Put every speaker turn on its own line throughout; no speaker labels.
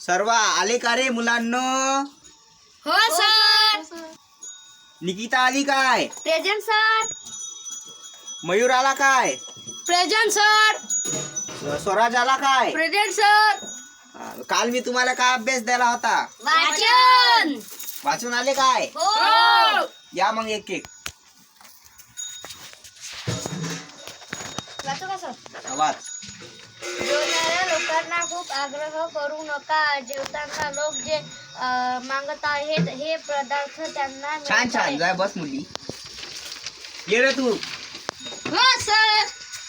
सर्व आले का रे मुलांनो?
हो सर.
निकिता आली काय?
Present sir.
मयूर आला काय?
Present sir.
स्वराज आला काय?
Present sir.
काल मी तुम्हाला काय अभ्यास द्यायला होता?
वाचन.
वाचून आले काय?
हो.
या मग एक एक
वाचू का सर?
वाच.
जेवणाऱ्या लोकांना खूप आग्रह करू नका. जेवताना लोक जे मागत आहेत हे पदार्थ त्यांना
छान छान. जाय बस मुली. ये रे तू.
हो सर.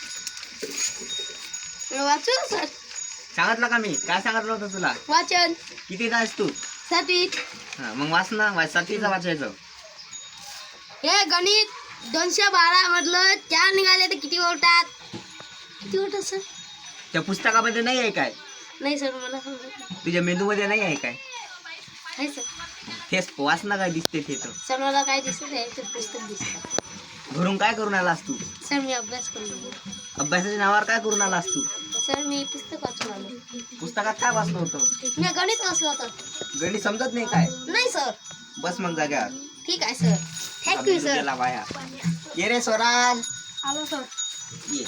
वाचू सर.
सांगितलं का मी? काय सांगितलं होतं तुला?
वाचन.
किती तास तू?
सातवीत.
मग वाच ना. सातवीचं वाचायचं.
हे गणित 212 मधलं 4 निघाले तर किती होतात? किती होतात सर?
त्या पुस्तकामध्ये नाही आहे काय?
नाही सर मला समजत नाही.
तुझ्या मेंदूमध्ये नाही आहे काय?
आहे सर.
तेच वाच ना. काय दिसते ते तर.
सर मला काय दिसत आहे ते पुस्तक दिसतं.
घरून काय करून आलास तू?
सर मी अभ्यास करतो.
अभ्यासाच्या नावावर काय करून आलास तू?
सर मी पुस्तक वाचून आलो.
पुस्तकात काय वाचलं होतं?
मी गणित वाचलं होतं.
गणित समजत नाही काय?
नाही सर.
बस मग जाग्यावर.
ठीक आहे सर. Thank you sir.
गेला बाया. ये रे स्वराज.
आलो सर.
ये.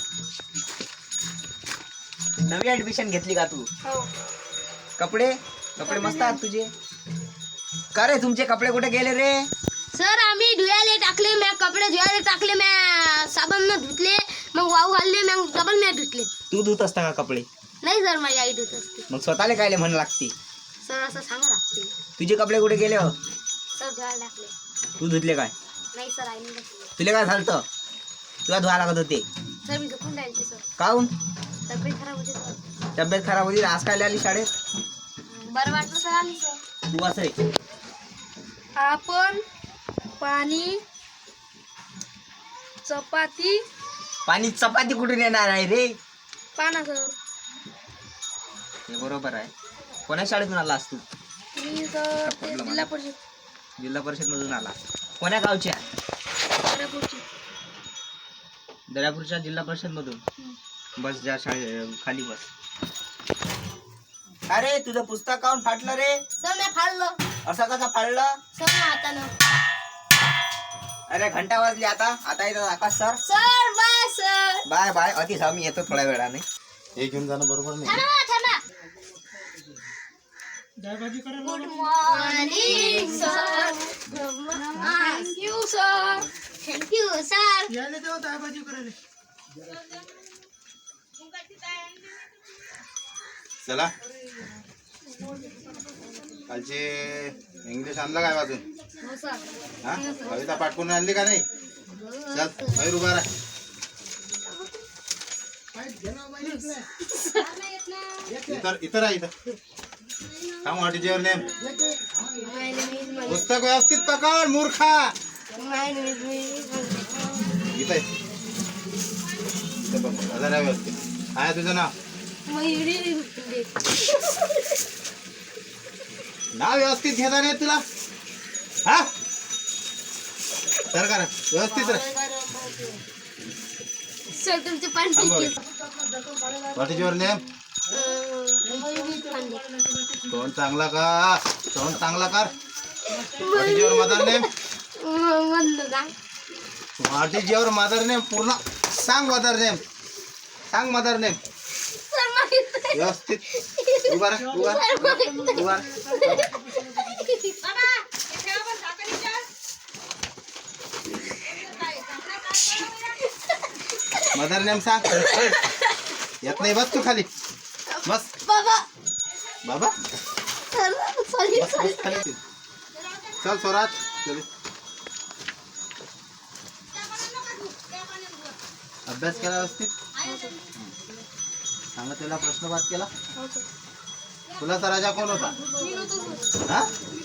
नवी ऍडमिशन घेतली का तू?
हो.
कपडे कपडे मस्त आहेत तुझे. का रे तुमचे कपडे कुठे गेले रे?
सर आम्ही धुयाले टाकले. मी कपडे धुयाले टाकले. मी साबण धुतले. मग वाहू घालले. मग डबल मी धुतले.
तू धुत असता का कपडे?
नाही सर माझी आई धुत असते.
मग स्वतःला कायले म्हण लागते?
सर असं सांगा लागते.
तुझे कपडे कुठे गेले हो?
सर धुवायला टाकले.
तू धुतले काय?
नाही सर आईने टाकले.
तुला काय झालं? तुला धुवा लागत होते.
सर मी झोपून राहिले सर.
काहून?
तब्येत खराब होती सर.
तब्येत खराब होती. आज काय आली शाळेत?
बरं वाटलं सर आली सर.
तू वाच रे.
आपण पाणी चपाती
पाणी चपाती कुठून येणार आहे रे?
पाना सर.
हे बरोबर आहे. कोण्या शाळेतून आला तू?
मी सर ते जिल्हा परिषद.
जिल्हा परिषद मधून आला. कोण्या गावच्या?
दर्यापूरची.
दर्यापूरच्या जिल्हा परिषद मधून. बस ज्या शाळे खाली बस. अरे तुझं पुस्तक काऊन फाटलं रे?
सर मी फाडलं.
असं कसं फाडलं?
सर मी हातानं.
अरे घंटा वाजली. आता येतात Akash sir.
Sir bye sir.
Bye bye. अति मी येतो थोड्या वेळाने.
हे घेऊन जाणं बरोबर नाही.
थांबा. Good morning sir. Thank you sir. Thank you sir.
चला कालचे इंग्लिश आणला काय वाजून?
हो सर.
हा कविता पाठ करून आणली का नाही? चल मयूर उभा राह. इतर आहे इथं. सांग व्हॉट इज युअर नेम? पुस्तक व्यवस्थित पकड मूर्खा. इथं बघ हजार व्यवस्थित. काय आहे तुझं नाव? नाव व्यवस्थित घेता नाही तुला? हा तर करा व्यवस्थित राह.
सर तुमचे पण
व्हॉट इज युअर नेम? तोंड चांगला का? तोंड चांगला कर. What is your mother name? What is your mother name? पूर्ण सांग. मदर नेम सांग. मदर नेम व्यवस्थित. उभा राह. उभा मदर नेम सांग. येत नाही. बस तू खाली बस.
बाबा.
बाबा
सॉरी
बस बस खाली. चल स्वराज चल. अभ्यास केला व्यवस्थित? सांगा त्याला प्रश्नपाठ केला? तुला तर राजा कोण होता? हा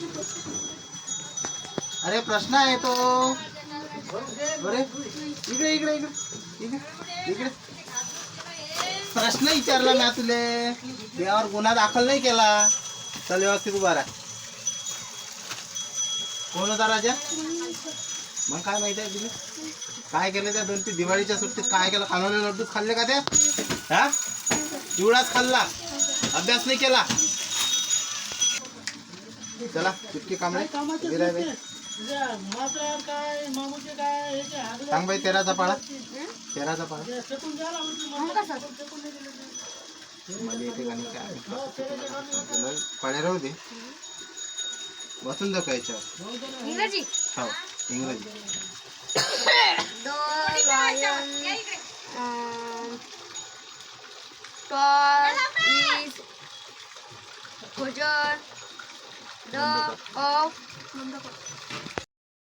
अरे प्रश्न आहे तो. अरे इकडे इकडे इकडे इकडे इकडे. प्रश्न विचारला मी तुले. त्यावर गुन्हा दाखल नाही केला. चल व्यवस्थित उभा राहा. कोण होता राजा? मग काय माहिती आहे तुला? काय केलं त्या 2-3 दिवाळीच्या सुट्टीत? काय केलं? खानवले लड्डूच खाल्ले का त्या? हा चिवडाच खाल्ला. अभ्यास नाही केला. चला चुटकी कांबळे उभी राह बाई. सांग बाई तेराचा पाळा. तेराचा पाळा
मग कसं
मध्ये येते गाणी काय पाड्या राहू दे. बसून जाऊ का याच्यावर.
इंग्रजी
हो इंग्रजी.
The lion tall is Gujar the of